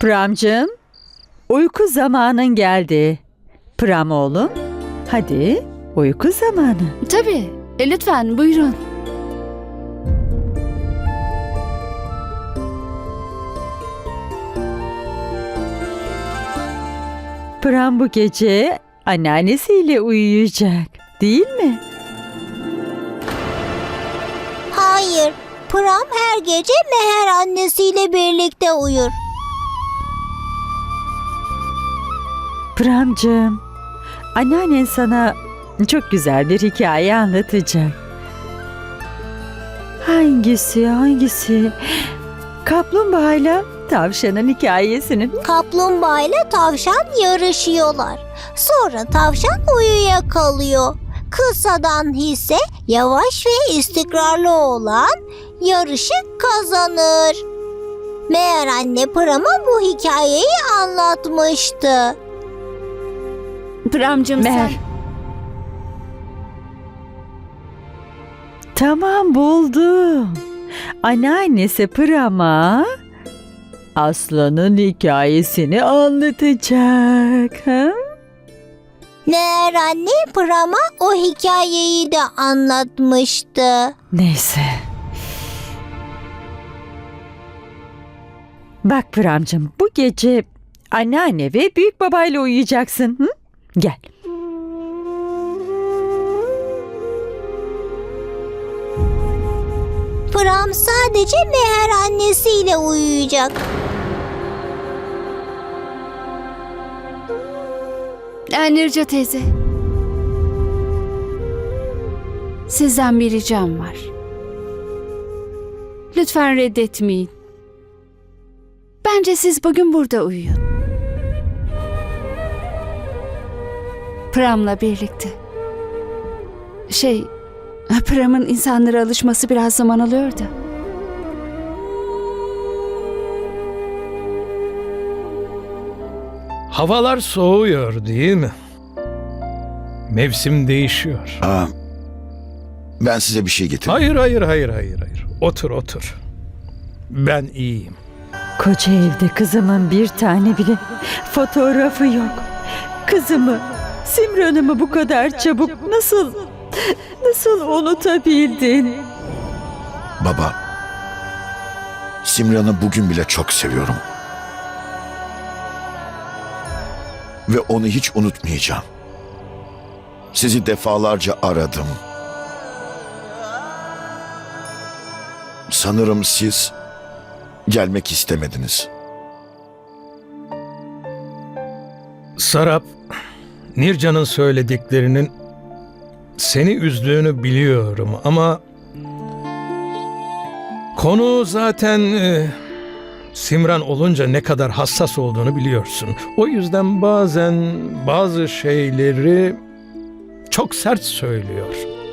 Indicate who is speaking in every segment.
Speaker 1: Pramcığım, uyku zamanın geldi. Pram oğlum, hadi uyku zamanı.
Speaker 2: Tabii. Lütfen buyurun.
Speaker 1: Pram bu gece anneannesiyle uyuyacak, değil mi?
Speaker 3: Hayır, Pram her gece Meher annesiyle birlikte uyur.
Speaker 1: Pramcığım, anneannen sana çok güzel bir hikaye anlatacak. Hangisi? Kaplumbağayla tavşanın hikayesini.
Speaker 3: Kaplumbağa ile tavşan yarışıyorlar. Sonra tavşan uyuyakalıyor. Kısadan hisse yavaş ve istikrarlı olan yarışı kazanır. Meğer anne Pram'a bu hikayeyi anlatmıştı.
Speaker 2: Pramcığım
Speaker 1: Meher.
Speaker 2: sen...
Speaker 1: Tamam, buldum. Anneannesi Pram'a aslanın hikayesini anlatacak. Ha?
Speaker 3: Meğer anne Pram'a o hikayeyi de anlatmıştı.
Speaker 1: Neyse. Bak Pramcığım, bu gece anneanne ve büyük babayla uyuyacaksın. Hı? Gel.
Speaker 3: Pram sadece Meher annesiyle uyuyacak.
Speaker 2: Nirca teyze. Sizden bir ricam var. Lütfen reddetmeyin. Bence siz bugün burada uyuyun. Pram'la birlikte. Pram'ın insanlara alışması biraz zaman alıyor da.
Speaker 4: Havalar soğuyor değil mi? Mevsim değişiyor.
Speaker 5: Ben size bir şey getirdim.
Speaker 4: Hayır. Otur. Ben iyiyim.
Speaker 1: Koca evde kızımın bir tane bile fotoğrafı yok. Kızımı, Simran'ımı bu kadar çabuk nasıl unutabildin?
Speaker 5: Baba, Simran'ı bugün bile çok seviyorum. Ve onu hiç unutmayacağım. Sizi defalarca aradım. Sanırım siz gelmek istemediniz.
Speaker 4: Sarap, Nircan'ın söylediklerinin seni üzdüğünü biliyorum ama konu zaten Simran olunca ne kadar hassas olduğunu biliyorsun. O yüzden bazen bazı şeyleri çok sert söylüyor.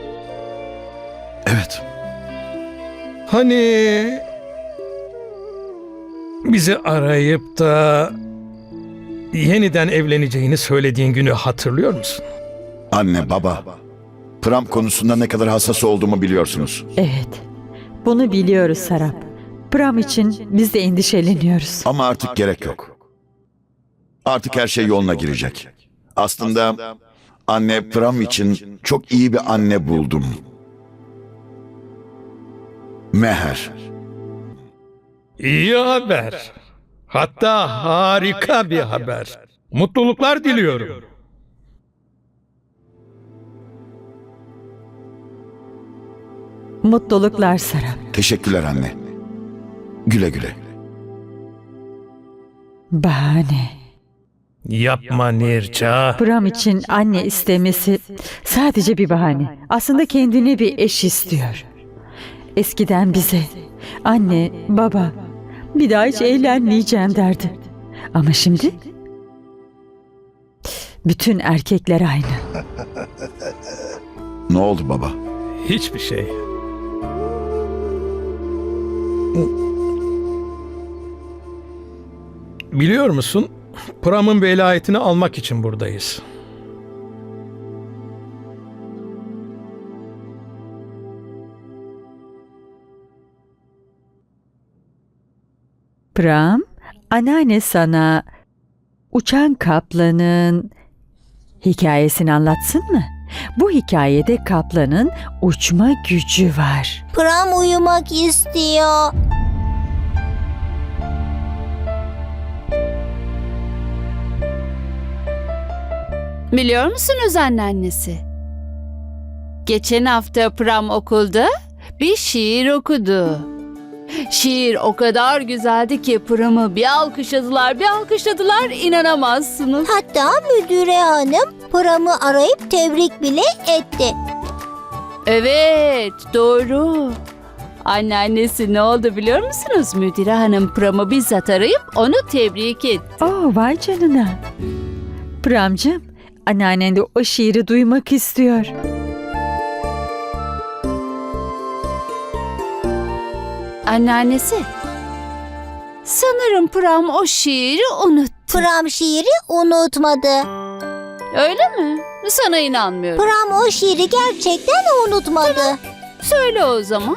Speaker 5: Evet,
Speaker 4: Hani bizi arayıp da yeniden evleneceğini söylediğin günü hatırlıyor musun?
Speaker 5: anne, baba. Pram konusunda ne kadar hassas olduğumu biliyorsunuz.
Speaker 1: Evet, bunu biliyoruz Sarap. Pram için biz de endişeleniyoruz.
Speaker 5: Ama artık gerek yok. Artık her şey yoluna girecek. Aslında anne, Pram için çok iyi bir anne buldum. Meher.
Speaker 4: İyi haber. Hatta harika bir haber. Mutluluklar diliyorum.
Speaker 1: Mutluluklar Sarap.
Speaker 5: Teşekkürler anne. Güle güle.
Speaker 1: Bahane.
Speaker 4: Yapma Nirca.
Speaker 1: Pram için anne istemesi sadece bir bahane. Aslında kendine bir eş istiyor. Eskiden bize anne, baba, bir daha hiç evlenmeyeceğim derdi. Ama şimdi bütün erkekler aynı.
Speaker 5: Ne oldu baba?
Speaker 4: Hiçbir şey. Biliyor musun? Pram'ın velayetini almak için buradayız.
Speaker 1: Pram, anneanne sana uçan kaplanın hikayesini anlatsın mı? Bu hikayede kaplanın uçma gücü var.
Speaker 3: Pram uyumak istiyor.
Speaker 2: Biliyor musunuz anneannesi? Geçen hafta Pram okulda bir şiir okudu. Şiir o kadar güzeldi ki Pram'ı bir alkışladılar, inanamazsınız.
Speaker 3: Hatta müdüre hanım Pram'ı arayıp tebrik bile etti.
Speaker 2: Evet, doğru. Anneannesi ne oldu biliyor musunuz? Müdüre hanım Pram'ı bizzat arayıp onu tebrik etti.
Speaker 1: Oh, vay canına. Pramcığım, anneannen de o şiiri duymak istiyor.
Speaker 2: Anneannesi, sanırım Pram o şiiri unuttu.
Speaker 3: Pram şiiri unutmadı.
Speaker 2: Öyle mi? Sana inanmıyorum.
Speaker 3: Pram o şiiri gerçekten unutmadı.
Speaker 2: Söyle o zaman.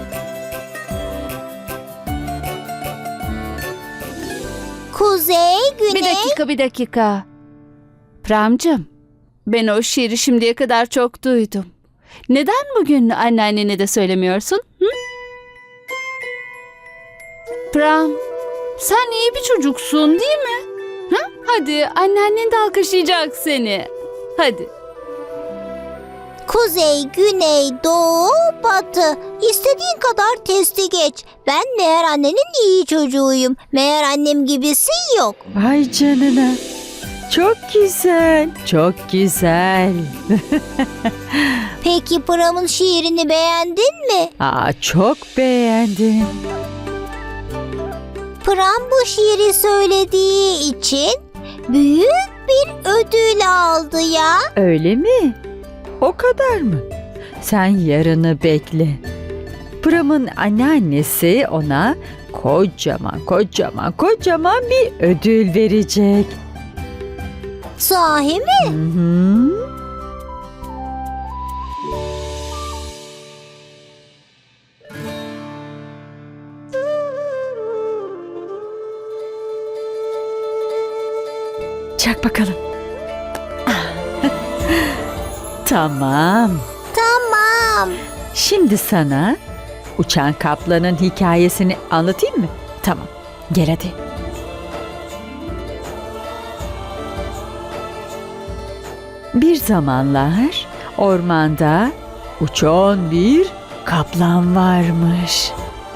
Speaker 3: Kuzey, güney.
Speaker 2: Bir dakika. Pramcığım, ben o şiiri şimdiye kadar çok duydum. Neden bugün anneannene de söylemiyorsun? Hı? Pram, sen iyi bir çocuksun değil mi? Ha? Hadi, anneannen de alkışlayacak seni. Hadi.
Speaker 3: Kuzey, güney, doğu, batı. İstediğin kadar testi geç. Ben meğer annenin iyi çocuğuyum. Meğer annem gibisi yok.
Speaker 1: Vay canına. Çok güzel, çok güzel.
Speaker 3: Peki Pram'ın şiirini beğendin mi?
Speaker 1: Çok beğendim.
Speaker 3: Pram bu şiiri söylediği için büyük bir ödül aldı ya.
Speaker 1: Öyle mi? O kadar mı? Sen yarını bekle. Pram'ın anneannesi ona kocaman bir ödül verecek.
Speaker 3: Sahi mi?
Speaker 1: Hı hı. Çak bakalım. Tamam.
Speaker 3: Tamam.
Speaker 1: Şimdi sana uçan kaplanın hikayesini anlatayım mı? Tamam. Gel hadi. Bir zamanlar ormanda uçan bir kaplan varmış.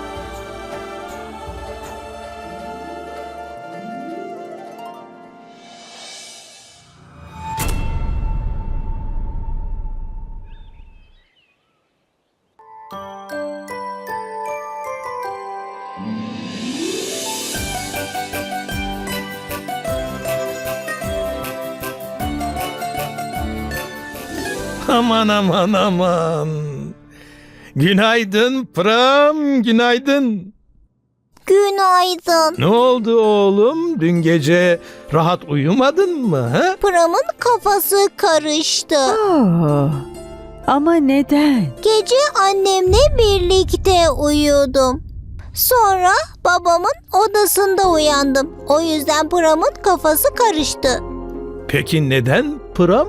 Speaker 4: Aman. Günaydın Pram, günaydın.
Speaker 3: Günaydın.
Speaker 4: Ne oldu oğlum? Dün gece rahat uyumadın mı? Ha?
Speaker 3: Pram'ın kafası karıştı.
Speaker 1: Ama neden?
Speaker 3: Gece annemle birlikte uyudum. Sonra babamın odasında uyandım. O yüzden Pram'ın kafası karıştı.
Speaker 4: Peki neden Pram?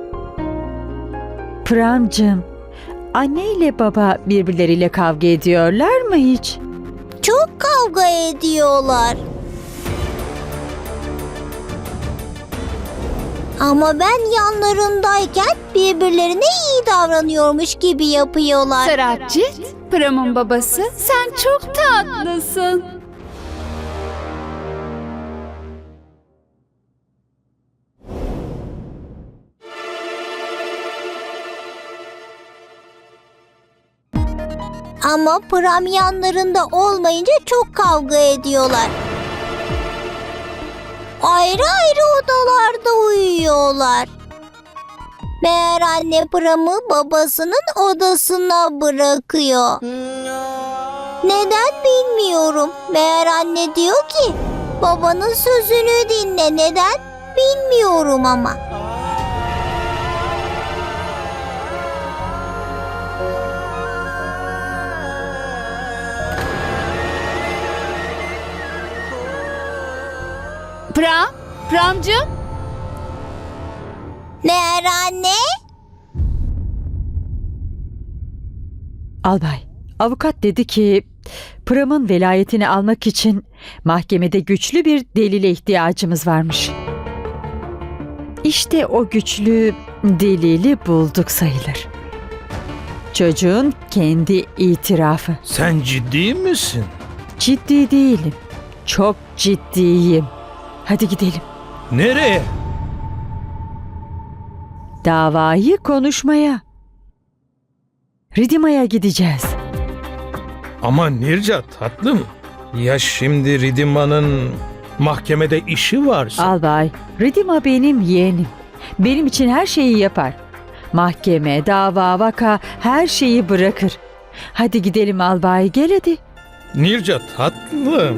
Speaker 1: Pramcığım, anne ile baba birbirleriyle kavga ediyorlar mı hiç?
Speaker 3: Çok kavga ediyorlar. Ama ben yanlarındayken birbirlerine iyi davranıyormuş gibi yapıyorlar.
Speaker 2: Sarapcit, Pram'ın babası, sen çok tatlısın.
Speaker 3: Ama Pram yanlarında olmayınca çok kavga ediyorlar. Ayrı ayrı odalarda uyuyorlar. Meğer anne Pram'ı babasının odasına bırakıyor. Neden bilmiyorum. Meğer anne diyor ki babanın sözünü dinle. Neden bilmiyorum ama.
Speaker 2: Pramcığım.
Speaker 3: Meğer anne?
Speaker 1: Albay, avukat dedi ki Pram'ın velayetini almak için mahkemede güçlü bir delile ihtiyacımız varmış. İşte o güçlü delili bulduk sayılır. Çocuğun kendi itirafı.
Speaker 4: Sen ciddi misin?
Speaker 1: Ciddi değilim. Çok ciddiyim. Hadi gidelim.
Speaker 4: Nereye?
Speaker 1: Davayı konuşmaya. Ridima'ya gideceğiz.
Speaker 4: Ama Nirca tatlım. Ya şimdi Ridima'nın mahkemede işi varsa?
Speaker 1: Albay, Ridima benim yeğenim. Benim için her şeyi yapar. Mahkeme, dava, vaka her şeyi bırakır. Hadi gidelim albay, gel hadi.
Speaker 4: Nirca tatlım.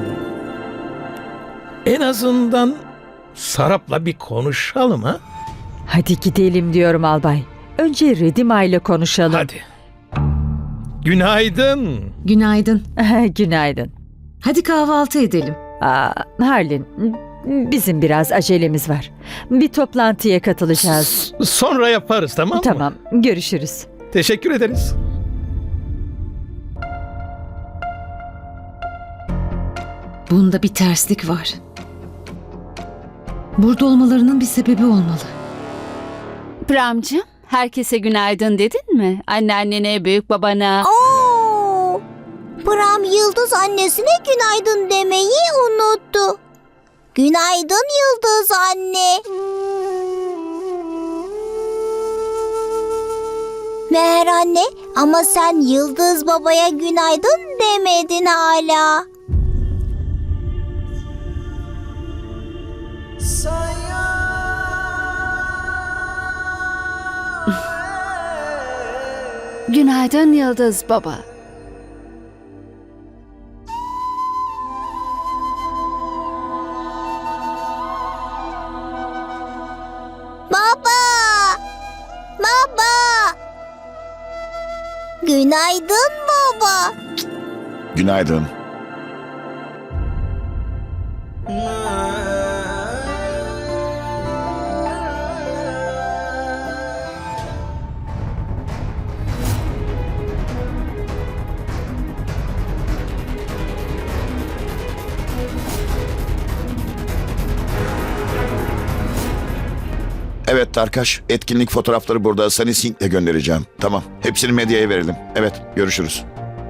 Speaker 4: En azından Sarap'la bir konuşalım ha?
Speaker 1: Hadi gidelim diyorum albay. Önce Ridima ile konuşalım.
Speaker 4: Hadi. Günaydın.
Speaker 6: Günaydın.
Speaker 1: Günaydın.
Speaker 6: Hadi kahvaltı edelim.
Speaker 1: Harlin, bizim biraz acelemiz var. Bir toplantıya katılacağız.
Speaker 4: Sonra yaparız, tamam mı?
Speaker 1: Tamam, görüşürüz.
Speaker 4: Teşekkür ederiz.
Speaker 6: Bunda bir terslik var. Burada olmalarının bir sebebi olmalı.
Speaker 2: Pramcığım, herkese günaydın dedin mi? Anneannene, büyük babana.
Speaker 3: Oo! Pram Yıldız annesine günaydın demeyi unuttu. Günaydın Yıldız anne. Meğer anne, ama sen Yıldız babaya günaydın demedin hala.
Speaker 2: Günaydın Yıldız baba.
Speaker 3: Baba! Baba! Günaydın baba.
Speaker 5: Günaydın. Evet Tarkaş, etkinlik fotoğrafları burada. Sunny Sink'le göndereceğim. Tamam, hepsini medyaya verelim. Evet, görüşürüz.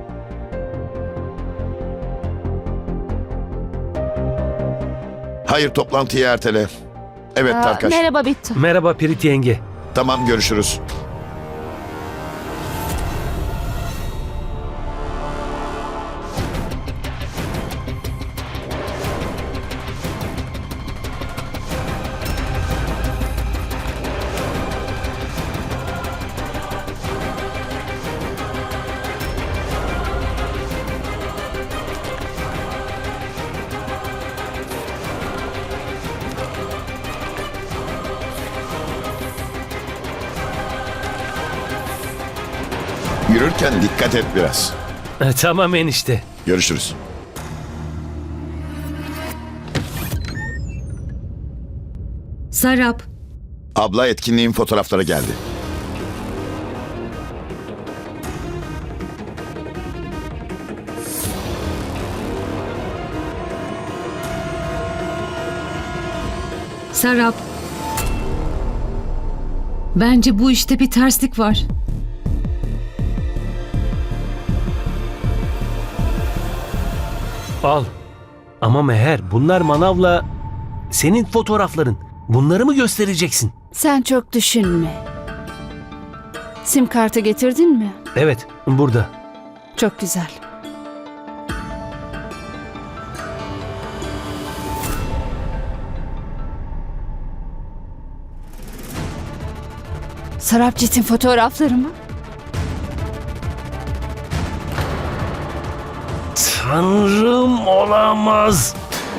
Speaker 5: Hayır, toplantıyı ertele. Evet Tarkaş.
Speaker 2: Merhaba Bittu.
Speaker 7: Merhaba Pirit yenge.
Speaker 5: Tamam, görüşürüz. Yürürken dikkat et biraz.
Speaker 7: Tamam enişte.
Speaker 5: Görüşürüz.
Speaker 6: Sarap,
Speaker 5: Abla, etkinliğin fotoğrafları geldi.
Speaker 6: Sarap. Bence bu işte bir terslik var.
Speaker 7: Al. Ama Meher, bunlar manavla senin fotoğrafların. Bunları mı göstereceksin?
Speaker 2: Sen çok düşünme. Sim kartı getirdin mi?
Speaker 7: Evet, burada.
Speaker 2: Çok güzel. Sarapcit'in fotoğrafları mı?
Speaker 7: Tanrım, olamaz.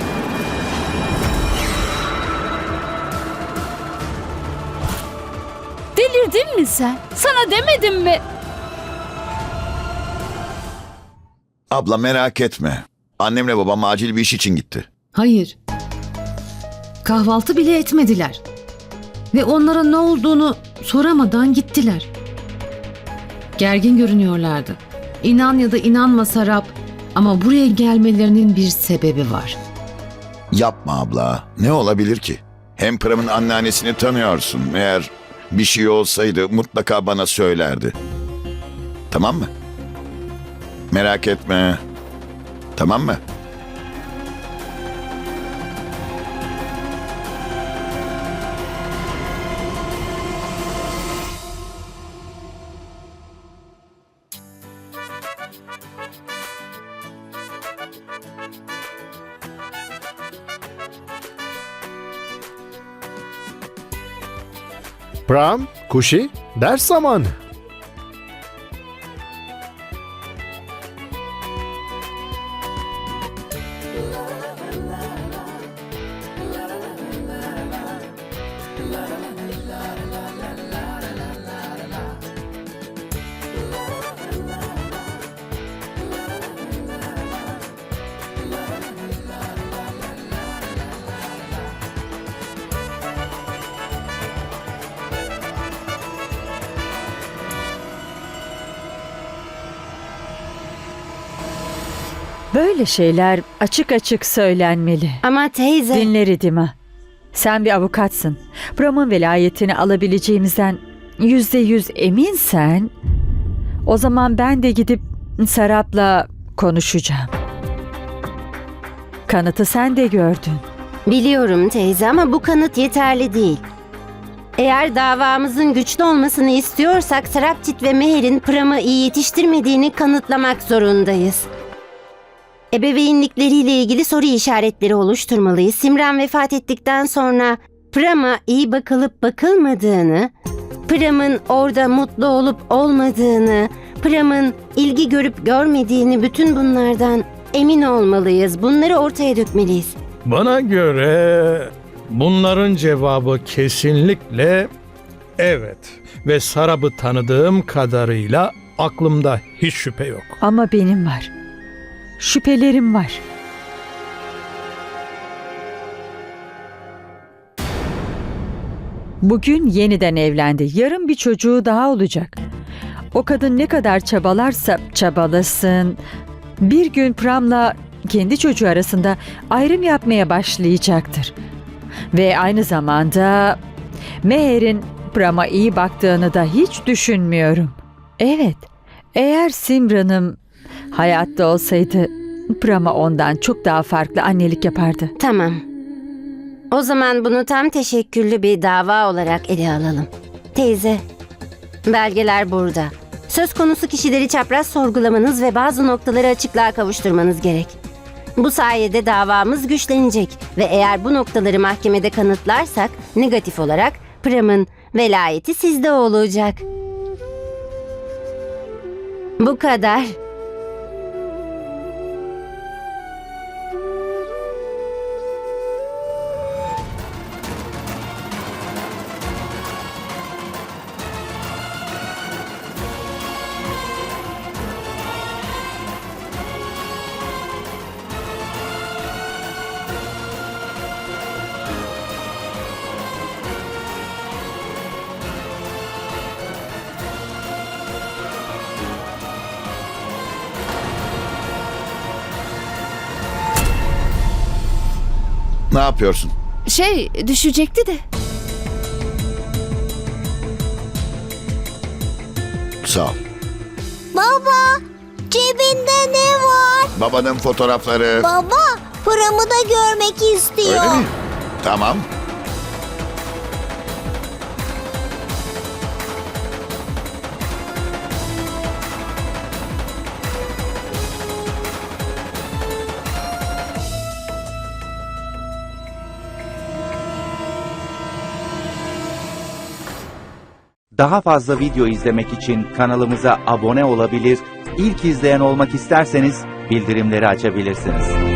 Speaker 2: Delirdin mi sen? Sana demedim mi?
Speaker 5: Abla merak etme. Annemle babam acil bir iş için gitti.
Speaker 6: Hayır. Kahvaltı bile etmediler. Ve onlara ne olduğunu soramadan gittiler. Gergin görünüyorlardı. İnan ya da inanma Sarap, ama buraya gelmelerinin bir sebebi var.
Speaker 5: Yapma abla. Ne olabilir ki? Hem Pram'ın anneannesini tanıyorsun. Eğer bir şey olsaydı mutlaka bana söylerdi. Tamam mı? Merak etme. Tamam mı?
Speaker 8: Pram, Kuşi, ders zamanı.
Speaker 1: Böyle şeyler açık açık söylenmeli.
Speaker 9: Ama teyze...
Speaker 1: Dinle Ridima. Sen bir avukatsın. Pram'ın velayetini alabileceğimizden %100 eminsen, o zaman ben de gidip Sarap'la konuşacağım. Kanıtı sen de gördün.
Speaker 9: Biliyorum teyze ama bu kanıt yeterli değil. Eğer davamızın güçlü olmasını istiyorsak Sarapçit ve Meher'in Pram'ı iyi yetiştirmediğini kanıtlamak zorundayız. Ebeveynlikleriyle ilgili soru işaretleri oluşturmalıyız. Simran vefat ettikten sonra Pram'a iyi bakılıp bakılmadığını, Pram'ın orada mutlu olup olmadığını, Pram'ın ilgi görüp görmediğini, bütün bunlardan emin olmalıyız. Bunları ortaya dökmeliyiz.
Speaker 4: Bana göre bunların cevabı kesinlikle evet. Ve Sarap'ı tanıdığım kadarıyla aklımda hiç şüphe yok.
Speaker 1: Ama benim var. Şüphelerim var. Bugün yeniden evlendi. Yarın bir çocuğu daha olacak. O kadın ne kadar çabalarsa çabalasın, bir gün Pram'la kendi çocuğu arasında ayrım yapmaya başlayacaktır. Ve aynı zamanda Meher'in Pram'a iyi baktığını da hiç düşünmüyorum. Evet, eğer Simran'ım hayatta olsaydı Pram'a ondan çok daha farklı annelik yapardı.
Speaker 9: Tamam. O zaman bunu tam teşekküllü bir dava olarak ele alalım. Teyze, belgeler burada. Söz konusu kişileri çapraz sorgulamanız ve bazı noktaları açıklığa kavuşturmanız gerek. Bu sayede davamız güçlenecek ve eğer bu noktaları mahkemede kanıtlarsak negatif olarak Pram'ın velayeti sizde olacak. Bu kadar.
Speaker 5: Ne yapıyorsun?
Speaker 2: Düşecekti de.
Speaker 5: Sağ ol.
Speaker 3: Baba, cebinde ne var?
Speaker 5: Babanın fotoğrafları.
Speaker 3: Baba, Pram'ı da görmek istiyor.
Speaker 5: Öyle mi? Tamam.
Speaker 10: Daha fazla video izlemek için kanalımıza abone olabilir, ilk izleyen olmak isterseniz bildirimleri açabilirsiniz.